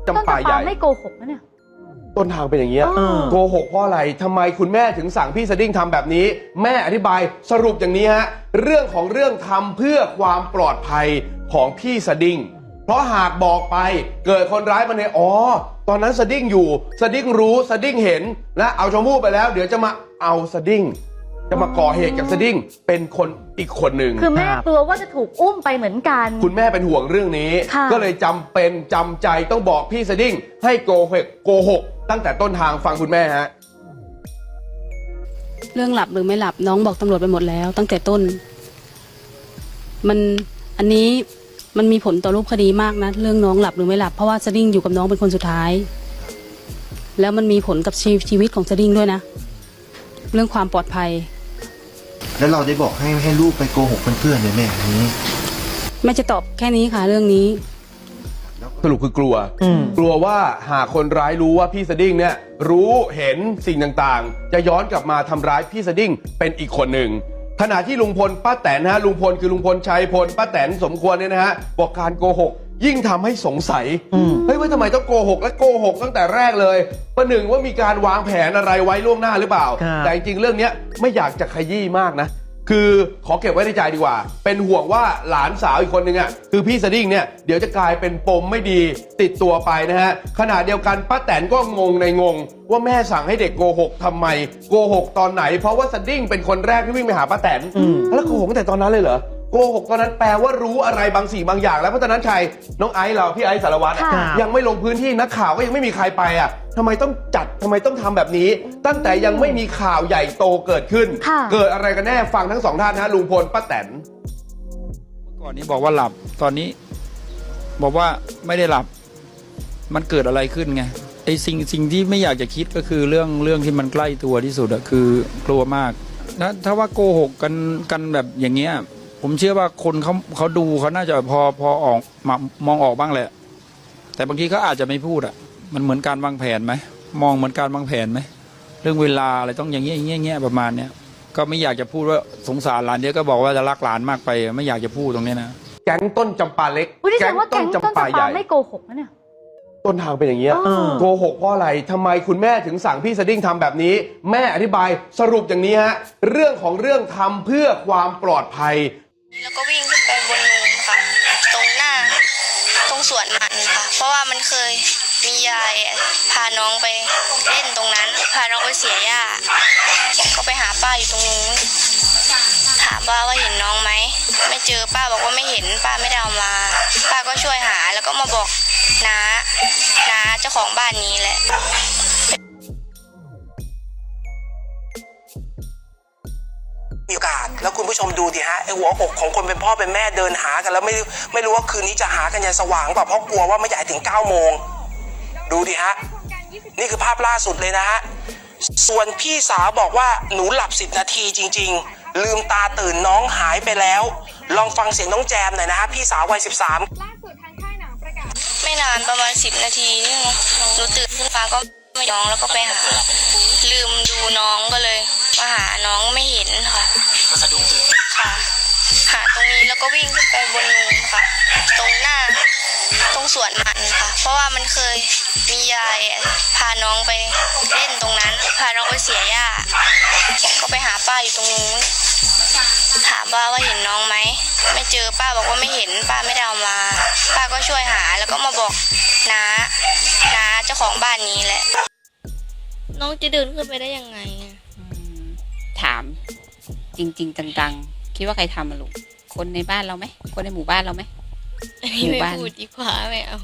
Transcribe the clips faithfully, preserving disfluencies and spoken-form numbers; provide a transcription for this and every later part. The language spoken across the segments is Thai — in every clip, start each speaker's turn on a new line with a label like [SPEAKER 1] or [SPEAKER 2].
[SPEAKER 1] จำปาใหญ่
[SPEAKER 2] ไม่โกหกนะเนี่ย
[SPEAKER 1] ต้นทางเป็นอย่างเงี้ยโกหกเพราะอะไรทำไมคุณแม่ถึงสั่งพี่สดิ้งทำแบบนี้แม่อธิบายสรุปอย่างนี้ฮะเรื่องของเรื่องทำเพื่อความปลอดภัยของพี่สดิ้งเพราะหากบอกไปเกิดคนร้ายมาในอ๋อตอนนั้นสดิ้งอยู่สดิ้งรู้สดิ้งเห็นและเอาชมพู่ไปแล้วเดี๋ยวจะมาเอาสดิ้งจะมาก่อเหตุกับสดิ้งเป็นคนอีกคนหนึ่ง
[SPEAKER 2] คือแม่กลัวว่าจะถูกอุ้มไปเหมือนกัน
[SPEAKER 1] คุณแม่เป็นห่วงเรื่องนี้ก็เลยจำเป็นจำใจต้องบอกพี่สดิ้งให้โกหกโกหกตั้งแต่ต้นทางฟังคุณแม่ฮะ
[SPEAKER 3] เรื่องหลับหรือไม่หลับน้องบอกตำรวจไปหมดแล้วตั้งแต่ต้นมันอันนี้มันมีผลต่อรูปคดีมากนะเรื่องน้องหลับหรือไม่หลับเพราะว่าสดิ้งอยู่กับน้องเป็นคนสุดท้ายแล้วมันมีผลกับชีวิตของสดิ้งด้วยนะเรื่องความปลอดภัย
[SPEAKER 4] แล้วเราได้บอกให้ให้ลูกไปโกหกเพื่อนๆเลยแม่นี้
[SPEAKER 3] แม่จะตอบแค่นี้ค่ะเรื่องนี้
[SPEAKER 1] สรุปคือกลัวกลัวว่าหากคนร้ายรู้ว่าพี่สดิ้งเนี่ยรู้เห็นสิ่งต่างๆจะย้อนกลับมาทำร้ายพี่สดิ้งเป็นอีกคนหนึ่งขณะที่ลุงพลป้าแตนฮะลุงพลคือลุงพลชัยพลป้าแตนสมควรเนี่ยนะฮะบอกการโกหกยิ่งทำให้สงสัยเฮ้ยว่าทำไมต้องโกหกและโกหกตั้งแต่แรกเลยประหนึ่งว่ามีการวางแผนอะไรไว้ล่วงหน้าหรือเปล่าแต่จริงๆเรื่องนี้ไม่อยากจะขยี้มากนะคือขอเก็บไว้ในใจดีกว่าเป็นห่วงว่าหลานสาวอีกคนนึงอ่ะคือพี่สดิ้งเนี่ยเดี๋ยวจะกลายเป็นปมไม่ดีติดตัวไปนะฮะขณะเดียวกันป้าแตนก็งงในงงว่าแม่สั่งให้เด็กโกหกทำไมโกหกตอนไหนเพราะว่าสดิ้งเป็นคนแรกที่วิ่งไปหาป้าแตนแล้วโกหกตั้งแต่ตอนนั้นเลยเหรอโกหกตอนนั้นแปลว่ารู้อะไรบางสิ่งบางอย่างแล้วเพราะตอนนั้นใครน้องไอซ์เราพี่ไอซ์สารวัตรยังไม่ลงพื้นที่นักข่าวก็ยังไม่มีใครไปอ่ะทำไมต้องจัดทำไมต้องทำแบบนี้ตั้งแต่ยังไม่มีข่าวใหญ่โตเกิดขึ้นเกิดอะไรกันแน่ฟังทั้งสองท่านนะลุงพลป้าแตน
[SPEAKER 5] ก่อนนี้บอกว่าหลับตอนนี้บอกว่าไม่ได้หลับมันเกิดอะไรขึ้นไงไอ้สิ่งสิ่งที่ไม่อยากจะคิดก็คือเรื่องเรื่องที่มันใกล้ตัวที่สุดอะคือกลัวมากนะถ้าว่าโกหกกันกันแบบอย่างเงี้ยผมเชื่อว่าคนเขาเขาดูเขาน่าจะพอพอออกมามองออกบ้างแหละแต่บางทีเขาอาจจะไม่พูดอ่ะมันเหมือนการวางแผนไหมมองเหมือนการวางแผนไหมเรื่องเวลาอะไรต้องอย่างเงี้ยอย่างเงี้ยอย่างเงี้ยประมาณเนี้ยก็ไม่อยากจะพูดว่าสงสารหลานเดียวก็บอกว่าจะรักหลานมากไปไม่อยากจะพูดตรงนี้นะ
[SPEAKER 1] แก๊งต้นจำปาเล็ก
[SPEAKER 2] แก๊งต้นจำปาใหญ่ไม่โกหกนะเนี่ย
[SPEAKER 1] ต้นทางเป็นอย่างเงี้ยโกหกเพราะอะไรทำไมคุณแม่ถึงสั่งพี่สดิ้งทำแบบนี้แม่อธิบายสรุปอย่างนี้ฮะเรื่องของเรื่องทำเพื่อความปลอดภัย
[SPEAKER 6] แล้วก็วิ่งขึ้นไปบนนูนค่ะตรงหน้าตรงสวนมันค่ะเพราะว่ามันเคยมียายพาน้องไปเล่นตรงนั้นพาน้องไปเสียหญ้าก็ไปหาป้าอยู่ตรงนู้นถามป้าว่าเห็นน้องไหมไม่เจอป้าบอกว่าไม่เห็นป้าไม่ได้เอามาป้าก็ช่วยหาแล้วก็มาบอกน้าน้าเจ้าของบ้านนี้แหละ
[SPEAKER 7] มีโอกาสแล้วคุณผู้ชมดูดิฮะไอหัวอกของคนเป็นพ่อเป็นแม่เดินหากันแล้วไม่ไม่รู้ว่าคืนนี้จะหากันยันสว่างเปล่าเพราะกลัวว่าไม่ใหญ่ถึงเก้าโมงดูดิฮะนี่คือภาพล่าสุดเลยนะฮะส่วนพี่สาวบอกว่าหนูหลับสิบนาทีจริงๆลืมตาตื่นน้องหายไปแล้วลองฟังเสียงน้องแจมหน่อยนะฮะพี่สาววัยสิบสาม
[SPEAKER 6] ไม่นานประมาณสิบนาทีนี่หนูตื่นขึ้นมาก็ไม่น้องแล้วก็ไปหาลืมดูน้องก็เลยมาหาน้องไม่เห็นค่ะก็สะดุ้งตื่นค่ะหาตรงนี้แล้วก็วิ่งขึ้นไปบนนูนค่ะตรงหน้าตรงสวนมันค่ะเพราะว่ามันเคยมียายพาน้องไปเล่นตรงนั้นพาน้องไปเสียหญ้าก็ไปหาป้าอยู่ตรงนู้นถามป้าว่าเห็นน้องไหมไม่เจอป้าบอกว่าไม่เห็นป้าไม่ได้เอามาป้าก็ช่วยหาแล้วก็มาบอกน้าน้าเจ้าของบ้านนี้แหละน้องจะเดินขึ้นไปได้ยังไง
[SPEAKER 8] ถามจริงๆจังๆคิดว่าใครทำมาลูกคนในบ้านเราไหมคนในหมู่บ้านเราไหม
[SPEAKER 6] หมู่บ้านไม่พูดดีกว่าไม่เอา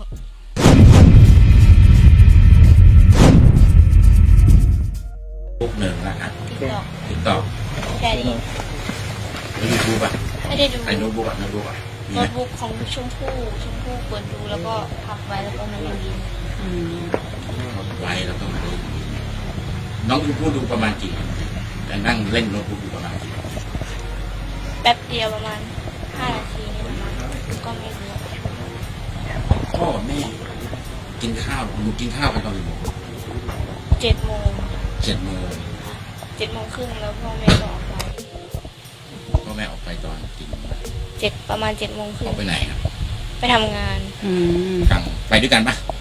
[SPEAKER 9] ปุ๊บหนึ่งนะครับติ๊กต็อก
[SPEAKER 6] แค่นี้
[SPEAKER 9] แล้วยูทูบอ่ะ
[SPEAKER 6] ไม่ได้ดู
[SPEAKER 9] ไอ้โน้ตบุ๊กอ่ะโน้ตบุ๊กอ่ะ
[SPEAKER 6] โน้ตบุ๊กของชมพู่ชมพู่เปิดดูแล้วก็พับไว้แล้วก็มันไม่ดี
[SPEAKER 9] ไว้แล้วก็มาดูน้องชมพู่ดูประมาณกี่แต่นั่งเล่นโน้ตบุ๊กอยู่ประมาณกี่
[SPEAKER 6] แป๊บเดียวประมาณห้านาทีนี่ประมาณก็ไม่รู้
[SPEAKER 9] พ่อแม่กินข้าวหนูกินข้าวกันตอนกี่โมง
[SPEAKER 6] เจ็ดโมง
[SPEAKER 9] เจ็ดโมง
[SPEAKER 6] เจ็ดโมงครึ่งแล้วพ่อแม่ก็ออกไป
[SPEAKER 9] พ่อแม่ออกไปตอนกี่โมง
[SPEAKER 6] เจ็ดประมาณเจ็ดโมงครึ่ง
[SPEAKER 9] ออกไปไหนครับ
[SPEAKER 6] ไปทำงาน
[SPEAKER 8] อืม
[SPEAKER 9] กลางไปด้วยกันปะ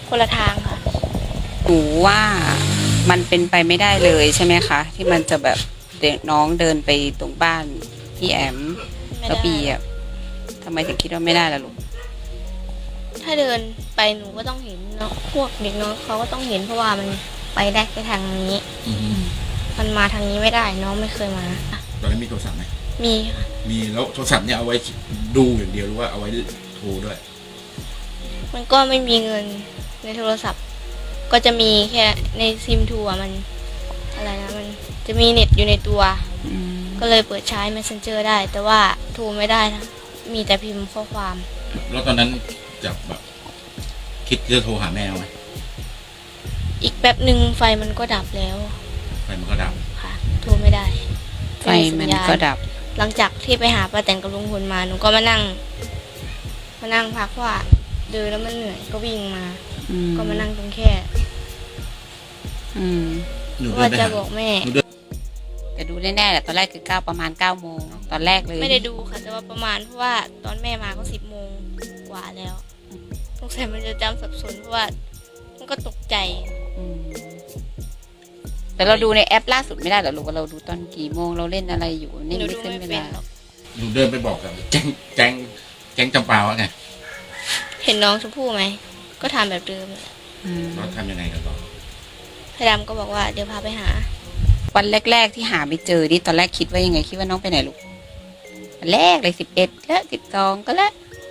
[SPEAKER 6] คนละทางค่ะ
[SPEAKER 8] หนูว่ามันเป็นไปไม่ได้เลยใช่ไหมคะ ที่มันจะแบบเด็กน้องเดินไปตรงบ้านพี่แอม
[SPEAKER 6] ไม่
[SPEAKER 8] แล้ว
[SPEAKER 6] ได้
[SPEAKER 8] ปีอ่ะทำไมถึงคิดว่าไม่ได้ล่ะลูก
[SPEAKER 6] ถ้าเดินไปหนูก็ต้องเห็นเนาะพวกเด็กน้องเขาก็ต้องเห็นเพราะว่ามันไปได้แค่ทางนี้
[SPEAKER 9] อืม
[SPEAKER 6] มันมาทางนี้ไม่ได้น้องไม่เคยมา
[SPEAKER 9] ตอนนั้นมีโทรศัพท์ไหม
[SPEAKER 6] มีค่ะ
[SPEAKER 9] มีแล้วโทรศัพท์เนี่ยเอาไว้ดูอย่างเดียวหรือว่าเอาไว้โทรด้วย
[SPEAKER 6] มันก็ไม่มีเงินในโทรศัพท์ ก็จะมีแค่ในซิมทัวมันอะไรนะมันจะมีเน็ตอยู่ในตัว
[SPEAKER 8] อืม
[SPEAKER 6] ก็เลยเปิดใช้ messenger ได้ แต่ว่าโทรไม่ได้นะมีแต่พิมพ์ข้อความ
[SPEAKER 9] แล้วตอนนั้นจะแบบคิดจะโทรหาแม่ไหม
[SPEAKER 6] อีกแป๊บหนึ่งไฟมันก็ดับแล้ว
[SPEAKER 9] ไฟมันก็ดับ
[SPEAKER 6] ค่ะ โทรไม่ได้
[SPEAKER 8] ไฟมันก็ดับ
[SPEAKER 6] หลังจากที่ไปหาป้าแตนกับลุงพลมาหนูก็มานั่ง มานั่งพักว่าเดินแล้วมันเหนื่อยก็วิ่งมา
[SPEAKER 8] อืม
[SPEAKER 6] ก็มานั่งตรงแค่
[SPEAKER 8] อืม
[SPEAKER 9] หนูเดิ
[SPEAKER 6] ว่าน
[SPEAKER 9] ไป
[SPEAKER 6] จะ
[SPEAKER 9] หา
[SPEAKER 6] บอกแม่
[SPEAKER 8] แต่ดูแน่ๆแหละตอนแรกคือเก้าประมาณเก้าโมงตอนแรกเลย
[SPEAKER 6] ไม่ได้ดูค่ะ แต่ว่าประมาณเพราะว่าตอนแม่มาก็สิบโมงกว่าแล้วสงสัยมันจะจำสับสนเพราะว่ามันก็ตกใจ
[SPEAKER 8] อืมแต่เราดูในแอปล่าสุดไม่ได้เหรอลูกว่าเราดูตอนกี่โมงเราเล่นอะไรอยู่นี่
[SPEAKER 6] หนู
[SPEAKER 8] ไม่
[SPEAKER 6] ดู
[SPEAKER 8] ขึ้น
[SPEAKER 6] ไม่
[SPEAKER 8] เว
[SPEAKER 6] เป็น
[SPEAKER 8] ลา
[SPEAKER 6] หรอก
[SPEAKER 9] หนูเดินไปบอกกับแจ้งแจ้งแจ้งจำปาว่าไง
[SPEAKER 6] เห็นน้องชมพู่ไหมก็ทำแบบเดิมแหละ
[SPEAKER 8] อืม
[SPEAKER 9] เราทำยังไงกันต่อ
[SPEAKER 6] พี่ดำก็บอกว่าเดี๋ยวพาไปหา
[SPEAKER 8] วันแรกๆที่หาไม่เจอนี่ตอนแรกคิดว่ายังไงคิดว่าน้องไปไหนลูกวันแรกเลยสิบเอ็ดแล้วสิบสองก็แล้ว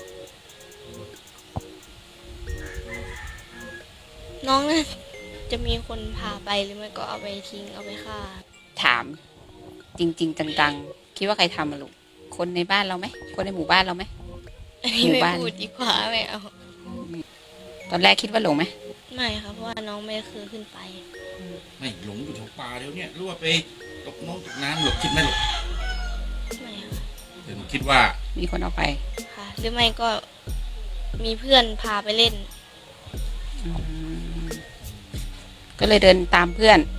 [SPEAKER 6] น้องน่าจะมีคนพาไปหรือไม่ก็เอาไปทิ้งเอาไปฆ่า
[SPEAKER 8] ถาม จริง ๆ จังๆคิดว่าใครทำอะลูกคนในบ้านเราไหมคนในหมู่บ้านเราไหม
[SPEAKER 6] อันนี้
[SPEAKER 8] หมู่
[SPEAKER 6] ไม่
[SPEAKER 8] บ้าน
[SPEAKER 6] พูดดีกว่าไม่เอา
[SPEAKER 8] ตอนแรกคิดว่าหลงไหม
[SPEAKER 6] ไม่ค่ะเพราะว่าน้องไม่เคยขึ้นไป
[SPEAKER 9] ไม่หลงอยู่แถวป่าเดี๋ยวเนี้ยหรือว่าไปตกน้องตกน้ำหลบคิดไหมหลบ
[SPEAKER 6] ไม่ค่ะ
[SPEAKER 9] แต่หนูคิดว่า
[SPEAKER 8] มีคนเอาไป
[SPEAKER 6] ค่ะ หรือไม่ก็มีเพื่อนพาไปเล่น
[SPEAKER 8] อืมก็เลยเดินตามเพื่อน
[SPEAKER 6] ค